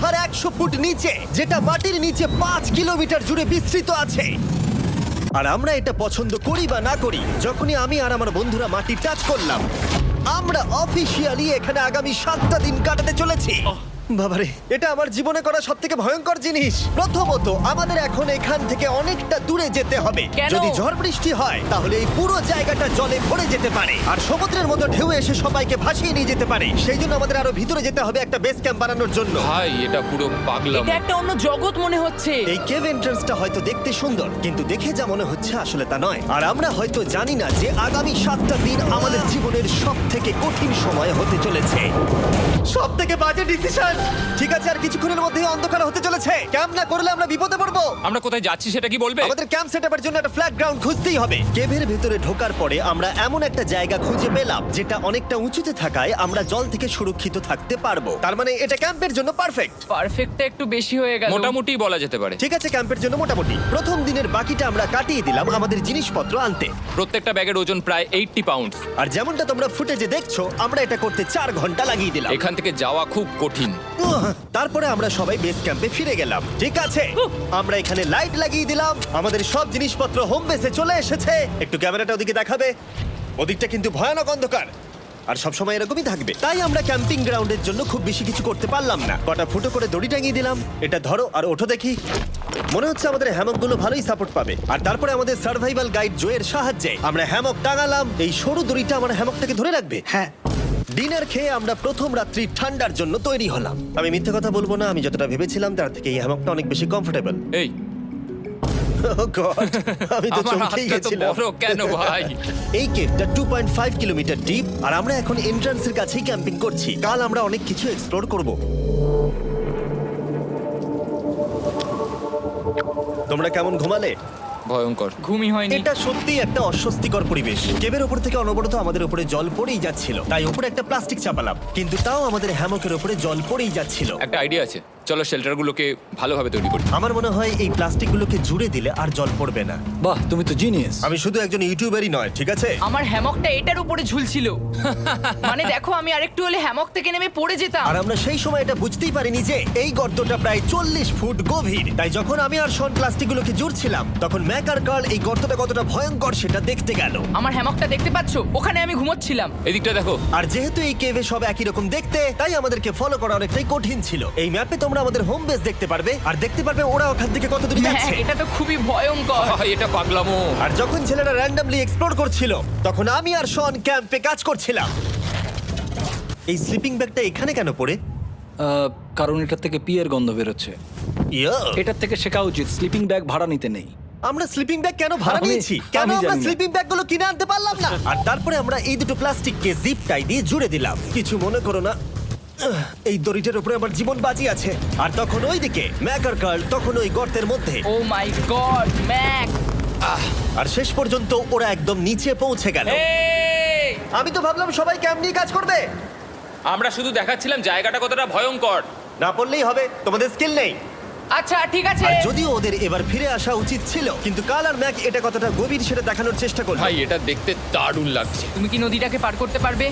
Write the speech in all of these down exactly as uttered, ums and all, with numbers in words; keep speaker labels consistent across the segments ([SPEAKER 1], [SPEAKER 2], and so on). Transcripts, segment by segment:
[SPEAKER 1] গুহার একশো ফুট নিচে, যেটা মাটির নিচে পাঁচ কিলোমিটার জুড়ে বিস্তৃত আছে। আর আমরা এটা পছন্দ করি বা না করি, যখনই আমি আর আমার বন্ধুরা মাটি টাচ করলাম, আমরা অফিসিয়ালি এখানে আগামী সাতটা দিন কাটাতে চলেছি। বাবারে, এটা আমার জীবনে করা সব থেকে ভয়ঙ্কর জিনিস। প্রথমত, আমাদের এখন এখান থেকে অনেকটা দূরে যেতে হবে।
[SPEAKER 2] কেন?
[SPEAKER 1] যদি ঝড় বৃষ্টি হয় তাহলে এই পুরো জায়গাটা জলে ভরে যেতে পারে, আর সমুদ্রের মতো ঢেউ এসে সবাইকে ভাসিয়ে নিয়ে যেতে পারে। সেই জন্য আমাদের আরো ভিতরে যেতে হবে একটা বেস ক্যাম্প বানানোর জন্য।
[SPEAKER 3] ভাই এটা পুরো পাগলাম।
[SPEAKER 2] এটা একটা অন্য জগৎ মনে হচ্ছে।
[SPEAKER 1] এই কেভ এন্ট্রান্সটা হয়তো দেখতে সুন্দর, কিন্তু দেখে যা মনে হচ্ছে আসলে তা নয়। আর আমরা হয়তো জানি না যে আগামী সাতটা দিন আমাদের জীবনের সব থেকে কঠিন সময় হতে চলেছে। সব থেকে বাজে ডিসিশন। ঠিক আছে, আর কিছুক্ষণের মধ্যেই অন্ধকার হতে চলেছে। ক্যাম্প না করলে আমরা বিপদে পড়বো।
[SPEAKER 3] আমরা কোথায় যাচ্ছি সেটা কি বলবে?
[SPEAKER 1] আমাদের ক্যাম্প সেটআপের জন্য একটা ফ্ল্যাট গ্রাউন্ড খুঁজতেই হবে। কেভের ভেতরে ঢোকার পরে আমরা এমন একটা জায়গা খুঁজে পেলাম যেটা অনেকটা উঁচুতে থাকায় আমরা জল থেকে সুরক্ষিত থাকতে পারবো। তার মানে এটা ক্যাম্পের জন্য পারফেক্ট।
[SPEAKER 2] পারফেক্টটা একটু বেশি হয়ে গেল।
[SPEAKER 3] মোটামুটি বলা যেতে পারে।
[SPEAKER 1] ঠিক আছে, ক্যাম্পের জন্য মোটামুটি। প্রথম দিনের বাকিটা আমরা কাটিয়ে দিলাম আমাদের জিনিসপত্র আনতে।
[SPEAKER 3] প্রত্যেকটা ব্যাগের ওজন প্রায় আশি পাউন্ডস।
[SPEAKER 1] আর যেমনটা তোমরা ফুটেজে দেখছো, আমরা এটা করতে চার ঘন্টা লাগিয়ে দিলাম।
[SPEAKER 3] এখান থেকে যাওয়া খুব কঠিন।
[SPEAKER 1] উহ, তারপরে আমরা সবাই বেস ক্যাম্পে ফিরে গেলাম। ঠিক আছে, আমরা এখানে লাইট লাগিয়ে দিলাম। আমাদের সব জিনিসপত্র হোম বেসে চলে এসেছে। একটু ক্যামেরাটা ওদিকে দেখাবে। ওদিকটা কিন্তু ভয়ানক অন্ধকার, আর সবসময় এরকমই থাকবে। তাই আমরা ক্যাম্পিং গ্রাউন্ডের জন্য খুব বেশি কিছু করতে পারলাম না। কটা ফুটো করে দড়ি টাঙিয়ে দিলাম। এটা ধরো আর ওঠো দেখি। মনে হচ্ছে আমাদের হ্যামকগুলো ভালোই সাপোর্ট পাবে। আর তারপরে আমাদের সার্ভাইভাল গাইড জোয়ের সাহায্যে আমরা হ্যামক টাঙালাম। এই সরু দড়িটা আমার হ্যামকটাকে ধরে রাখবে।
[SPEAKER 4] হ্যাঁ,
[SPEAKER 1] ডিনার খেয়ে আমরা প্রথম রাত্রি ঠান্ডার জন্য তৈরি হলাম। আমি মিথ্যে কথা বলবো না, আমি যতটা ভেবেছিলাম তার থেকে এই হ্যামকটা অনেক বেশি কমফোর্টেবল।
[SPEAKER 3] এই
[SPEAKER 1] আমি তো
[SPEAKER 3] আমার
[SPEAKER 1] চমকেই
[SPEAKER 3] হাতটা তো
[SPEAKER 1] গেছিলাম।
[SPEAKER 3] বড় কেন ভাই?
[SPEAKER 1] এই কেভটা two point five kilometre deep, আর আমরা এখন এন্ট্রান্সের কাছেই ক্যাম্পিং করছি। কাল আমরা অনেক কিছু এক্সপ্লোর করব। তোমরা কেমন ঘুমালে?
[SPEAKER 3] ভয়ঙ্কর।
[SPEAKER 2] ঘুমই হয়নি।
[SPEAKER 1] এটা সত্যিই একটা অস্বস্তিকর পরিবেশ। কেবের ওপর থেকে অনবরত আমাদের উপরে জল পড়েই যাচ্ছিল, তাই উপরে একটা প্লাস্টিক চাপালাম, কিন্তু তাও আমাদের হ্যামকের উপরে জল পড়েই যাচ্ছিল।
[SPEAKER 3] একটা আইডিয়া আছে, চলো শেল্টারগুলোকে ভালোভাবে তৈরি করি।
[SPEAKER 1] আমার মনে হয় এই প্লাস্টিকগুলোকে জুড়ে দিলে আর জল পড়বে না।
[SPEAKER 4] বাহ, তুমি তো জিনিয়াস।
[SPEAKER 1] আমি শুধু একজন ইউটিউবারই নয়, ঠিক আছে?
[SPEAKER 2] আমার হ্যামকটা এটার উপরে ঝুলছিল। মানে দেখো, আমি আরেকটু হলে হ্যামক থেকে নেমে পড়ে যেতাম।
[SPEAKER 1] আর আমরা সেই সময় এটা বুঝতেই পারিনি যে এই গর্তটা প্রায় চল্লিশ ফুট গভীর। তাই যখন আমি আর শন প্লাস্টিকগুলোকে জুড়ছিলাম, তখন ম্যাক আর কার্ল এই গর্তটা কতটা ভয়ঙ্কর সেটা দেখতে গেল।
[SPEAKER 2] আমার হ্যামকটা দেখতে পাচ্ছো? ওখানে আমি ঘুমোচ্ছিলাম।
[SPEAKER 3] এদিকটা দেখো।
[SPEAKER 1] আর যেহেতু এই কেভে সব একই রকম দেখতে, তাই আমাদেরকে ফলো করা অনেকটাই কঠিন ছিল। এই ম্যাপে তোমরা আমাদের হোম বেস দেখতে পারবে, আর দেখতে পারবে ওরা ওখান থেকে কত দূর
[SPEAKER 2] হ্যাঁ,
[SPEAKER 1] যাচ্ছে।
[SPEAKER 2] এটা তো খুবই ভয়ঙ্কর।
[SPEAKER 3] ভাই, এটা পাগলামো।
[SPEAKER 1] আর যখন ছেলেরা র্যান্ডমলি এক্সপ্লোর করছিল, তখন আমি আর শন ক্যাম্পে কাজ করছিলাম। এই স্লিপিং ব্যাগটা এখানে কেন পড়ে?
[SPEAKER 4] আহ, কারণ এটার থেকে পিয়ের গন্ধ বেরোচ্ছে।
[SPEAKER 1] ইয়া,
[SPEAKER 4] এটার থেকে শেখা উচিত স্লিপিং ব্যাগ ভাড়া নিতে নেই।
[SPEAKER 1] আমরা স্লিপিং ব্যাগ কেন ভাড়া
[SPEAKER 4] আমি-
[SPEAKER 1] নিয়েছি? কেন
[SPEAKER 4] আমি
[SPEAKER 1] আমরা
[SPEAKER 4] জানি না।
[SPEAKER 1] স্লিপিং ব্যাগগুলো কিনে আনতে পারলাম না? আর তারপরে আমরা এই দুটো প্লাস্টিককে জিপ টাই দিয়ে জুড়ে দিলাম। কিছু মনে করো না, আহ, এই দড়িটার উপরে আমার জীবন বাজি আছে। আর তখন ওইদিকে ম্যাক আর কার্ল তখন ওই গর্তের মধ্যে।
[SPEAKER 2] ও মাই গড, ম্যাক!
[SPEAKER 1] আর শেষ পর্যন্ত ওরা একদম নিচে পৌঁছে গেল।
[SPEAKER 3] এই!
[SPEAKER 1] আমি তো ভাবলাম সবাই ক্যাম্প নিয়ে কাজ করবে।
[SPEAKER 3] আমরা শুধু দেখাচ্ছিলাম জায়গাটা কতটা ভয়ঙ্কর।
[SPEAKER 1] না পড়লেই হবে, তোমাদের স্কিল নেই।
[SPEAKER 2] আচ্ছা, ঠিক আছে।
[SPEAKER 1] আর যদিও ওদের এবার ফিরে আসা উচিত ছিল, কিন্তু কাল আর ম্যাক এটা কতটা গভীর সেটা দেখানোর চেষ্টা করলো।
[SPEAKER 3] ভাই, এটা দেখতে দারুণ লাগছে।
[SPEAKER 2] তুমি কি নদীটাকে পার করতে পারবে?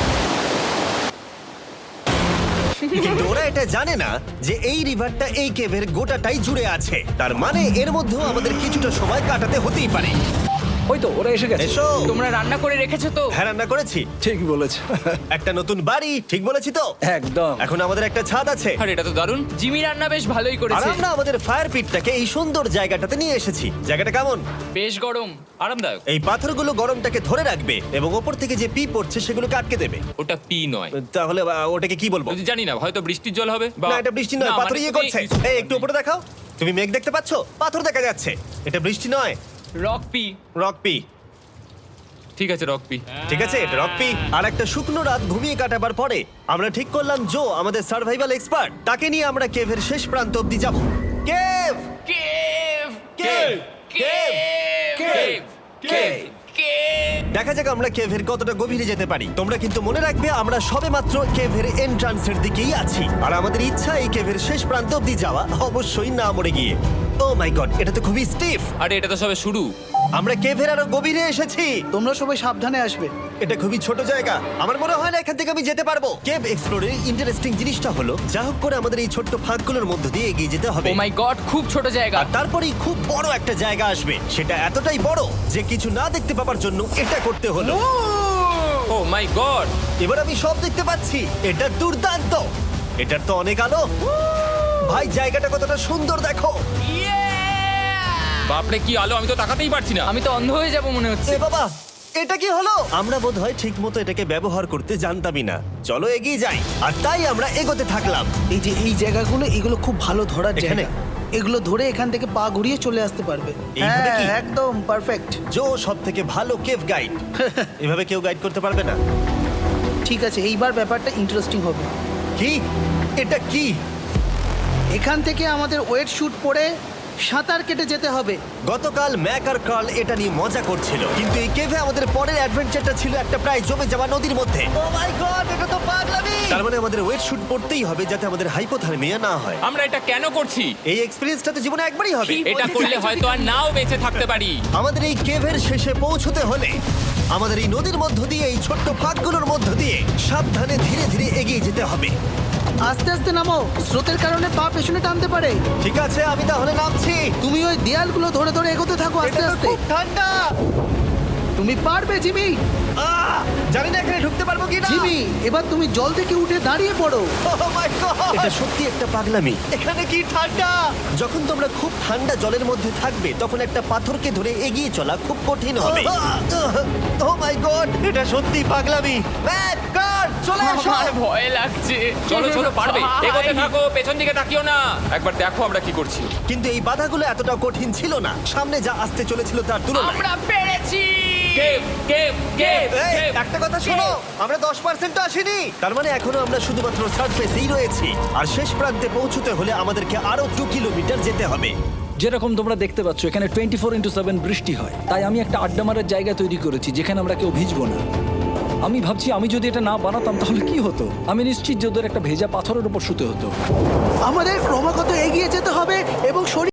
[SPEAKER 1] কিন্তু ওরা এটা জানে না যে এই রিভারটা এই কেভের গোটাটাই জুড়ে আছে। তার মানে এর মধ্যেও আমাদের কিছুটা সময় কাটাতে হতেই পারে।
[SPEAKER 4] ওই তো ওরা এসে গেছে।
[SPEAKER 1] এসো।
[SPEAKER 2] তোমরা রান্না করে রেখেছো তো?
[SPEAKER 1] হ্যাঁ, রান্না করেছি।
[SPEAKER 4] ঠিক বলেছ।
[SPEAKER 1] একটা নতুন বাড়ি, ঠিক বলেছি তো?
[SPEAKER 4] একদম।
[SPEAKER 1] এখন আমাদের একটা ছাদ আছে।
[SPEAKER 3] আর এটা তো দারুণ।
[SPEAKER 2] জিমি রান্না বেশ ভালোই
[SPEAKER 1] আর
[SPEAKER 2] করেছে।
[SPEAKER 1] আমরা আমাদের ফায়ার পিটটাকে এই সুন্দর জায়গাটাতে নিয়ে এসেছি। জায়গাটা কেমন?
[SPEAKER 2] বেশ গরম।
[SPEAKER 3] আরামদায়ক।
[SPEAKER 1] এই পাথরগুলো গরমটাকে ধরে রাখবে এবং ওপর থেকে যে পি পড়ছে সেগুলোকে আটকে দেবে।
[SPEAKER 3] ওটা পি নয়।
[SPEAKER 1] তাহলে আহ, ওটাকে কি বলবো?
[SPEAKER 3] যদি জানি না, হয়তো বৃষ্টির জল হবে বা
[SPEAKER 1] না, এটা বৃষ্টি নয়,
[SPEAKER 3] না,
[SPEAKER 1] পাথর
[SPEAKER 3] মানে
[SPEAKER 1] ইয়ে
[SPEAKER 3] তুমি-
[SPEAKER 1] করছে। এই একটু উপরে দেখাও। তুমি মেঘ দেখতে পাচ্ছো? পাথর দেখা যাচ্ছে। এটা বৃষ্টি নয়,
[SPEAKER 2] রক পি।
[SPEAKER 1] Rock P.
[SPEAKER 3] ঠিক আছে, রক পি।
[SPEAKER 1] ঠিক আছে, এটা রক পি। আর একটা শুকনো রাত ঘুমিয়ে কাটাবার পরে আমরা ঠিক করলাম জো আমাদের সার্ভাইভাল এক্সপার্ট, তাকে নিয়ে আমরা কেভের শেষ প্রান্ত অব্দি যাব। Cave
[SPEAKER 2] cave!
[SPEAKER 1] Cave
[SPEAKER 2] cave!
[SPEAKER 1] Cave cave
[SPEAKER 2] cave!
[SPEAKER 1] দেখা যাক আমরা কেভের কতটা গভীরে যেতে পারি। তোমরা কিন্তু মনে রাখবে আমরা সবেমাত্র কেভের এন্ট্রান্সের দিকেই আছি, আর আমাদের ইচ্ছা এই কেভের শেষ প্রান্ত অব্দি যাওয়া, অবশ্যই না মরে গিয়ে। ও মাই গড, এটা তো খুবই স্টিফ।
[SPEAKER 3] আরে এটা তো সবে শুরু।
[SPEAKER 1] আমরা কেভের আরো গভীরে এসেছি।
[SPEAKER 5] তোমরা সবাই সাবধানে আসবে।
[SPEAKER 1] এটা খুবই ছোট জায়গা, আমার মনে হয় না এখান থেকে আমি যেতে পারবো। কেভ এক্সপ্লোরের ইন্টারেস্টিং জিনিসটা হলো যা হোক করে আমাদের এই ছোট্ট ফাঁকগুলোর মধ্য দিয়ে এগিয়ে যেতে হবে।
[SPEAKER 2] ও মাই গড, খুব ছোট জায়গা।
[SPEAKER 1] আর তারপরেই খুব বড় একটা জায়গা আসবে, সেটা এতটাই বড় যে কিছু না দেখতে পাওয়ার জন্য এটা করতে হলো।
[SPEAKER 3] Oh my god.
[SPEAKER 1] এবার আমি সব দেখতে পাচ্ছি, এটা দুর্দান্ত। এটার তো অনেক আলো। ভাই জায়গাটা কতটা সুন্দর দেখো।
[SPEAKER 3] বাপরে কি আলো, আমি তো তাকাতেই পারছি না।
[SPEAKER 2] আমি তো অন্ধ হয়ে যাব মনে হচ্ছে।
[SPEAKER 1] এ বাবা, এটা কি হলো? আমরা বোধহয় ঠিক মতো এটাকে ব্যবহার করতে জানতামই না। চলো এগিয়ে যাই। আর তাই আমরা এগোতে থাকলাম।
[SPEAKER 5] এই যে এই জায়গাগুলো, এগুলো খুব ভালো ধরার
[SPEAKER 1] এখানে?
[SPEAKER 5] জায়গা। এগুলো ধরে এখান থেকে পা ঘুরিয়ে চলে আসতে পারবে।
[SPEAKER 1] এইভাবে
[SPEAKER 5] হ্যাঁ,
[SPEAKER 1] কি?
[SPEAKER 5] একদম পারফেক্ট।
[SPEAKER 1] জো সব থেকে ভালো কেভ গাইড। এভাবে কেউ গাইড করতে পারবে না।
[SPEAKER 5] ঠিক আছে, এইবার ব্যাপারটা ইন্টারেস্টিং হবে।
[SPEAKER 1] কি? এটা কি?
[SPEAKER 5] এখান থেকে আমাদের ওয়েট শুট পরে সাঁতার কেটে যেতে হবে।
[SPEAKER 1] গতকাল ম্যাক আর কার্ল এটা নিয়ে মজা করছিল, কিন্তু এই কেভে আমাদের পরের অ্যাডভেঞ্চারটা ছিল একটা প্রায় জমে যাওয়া নদীর মধ্যে। ও মাই গড, এটা তো পাগলামি! তার মানে আমাদের ওয়েট শুট পড়তেই হবে যাতে আমাদের হাইপোথার্মিয়া না হয়।
[SPEAKER 3] আমরা এটা কেন করছি?
[SPEAKER 1] এই এক্সপেরিয়েন্সটা তো জীবনে একবারই হবে।
[SPEAKER 2] কি?
[SPEAKER 3] এটা
[SPEAKER 2] বলতে
[SPEAKER 3] করলে
[SPEAKER 2] চাইছো
[SPEAKER 3] হয়তো আর
[SPEAKER 2] তুমি?
[SPEAKER 3] নাও বেঁচে থাকতে পারি।
[SPEAKER 1] আমাদের এই কেভের শেষে পৌঁছতে হলে আমাদের এই নদীর মধ্য দিয়ে, এই ছোট্ট ফাঁকগুলোর মধ্য দিয়ে সাবধানে ধীরে ধীরে এগিয়ে যেতে হবে।
[SPEAKER 5] আস্তে আস্তে নামো, স্রোতের কারণে পা পেছনে টানতে পারে।
[SPEAKER 1] ঠিক আছে, আমি তাহলে নামছি।
[SPEAKER 5] তুমি ওই দেয়ালগুলো ধরে ধরে এগোতে থাকো আস্তে
[SPEAKER 1] এটা তো
[SPEAKER 5] আস্তে।
[SPEAKER 1] খুব ঠান্ডা।
[SPEAKER 5] তুমি পারবে জিমি।
[SPEAKER 1] আহ! জানি না এখানে ঢুকতে পারবো কি না।
[SPEAKER 5] জিমি, এবার তুমি জল থেকে উঠে দাঁড়িয়ে পড়ো।
[SPEAKER 1] এটা সত্যি একটা পাগলামি। এখানে কি ঠান্ডা! যখন তোমরা খুব ঠান্ডা জলের মধ্যে থাকবে তখন একটা পাথরকে ধরে এগিয়ে চলা খুব কঠিন হবে। ও মাই গড, এটা সত্যি পাগলামি। ম্যাক, গড, চলে আসো।
[SPEAKER 2] আমার ভয় লাগছে।
[SPEAKER 3] চলো চলো, পারবে।
[SPEAKER 2] ভাই।
[SPEAKER 3] এগোতে থাকো, পেছন দিকে তাকিও না। একবার দেখো আমরা কি করছি।
[SPEAKER 1] কিন্তু এই বাধাগুলো এতটা কঠিন ছিল না সামনে যা আসতে চলেছিল তার তুলনায়।
[SPEAKER 2] আমরা পেরেছি।
[SPEAKER 3] কেভ কেভ কেভ
[SPEAKER 1] এই,
[SPEAKER 3] কেভ।
[SPEAKER 1] একটা কথা শোনো, আমরা দশ পার্সেন্ট আসিনি। তার মানে এখনো আমরা শুধুমাত্র সার্ফেসেই রয়েছি, আর শেষ প্রান্তে পৌঁছতে হলে আমাদেরকে আরো দু কিলোমিটার যেতে হবে।
[SPEAKER 4] যেরকম তোমরা দেখতে পাচ্ছ এখানে টোয়েন্টি ফোর ইন্টু সেভেন বৃষ্টি হয়, তাই আমি একটা আড্ডা মারার জায়গা তৈরি করেছি যেখানে আমরা কেউ ভিজবো না। আমি ভাবছি আমি যদি এটা না বানাতাম তাহলে কি হতো। আমি নিশ্চিত যে ওদের একটা ভেজা পাথরের উপর শুতে হতো।
[SPEAKER 5] আমাদের ক্রমাগত এগিয়ে যেতে হবে এবং শরীর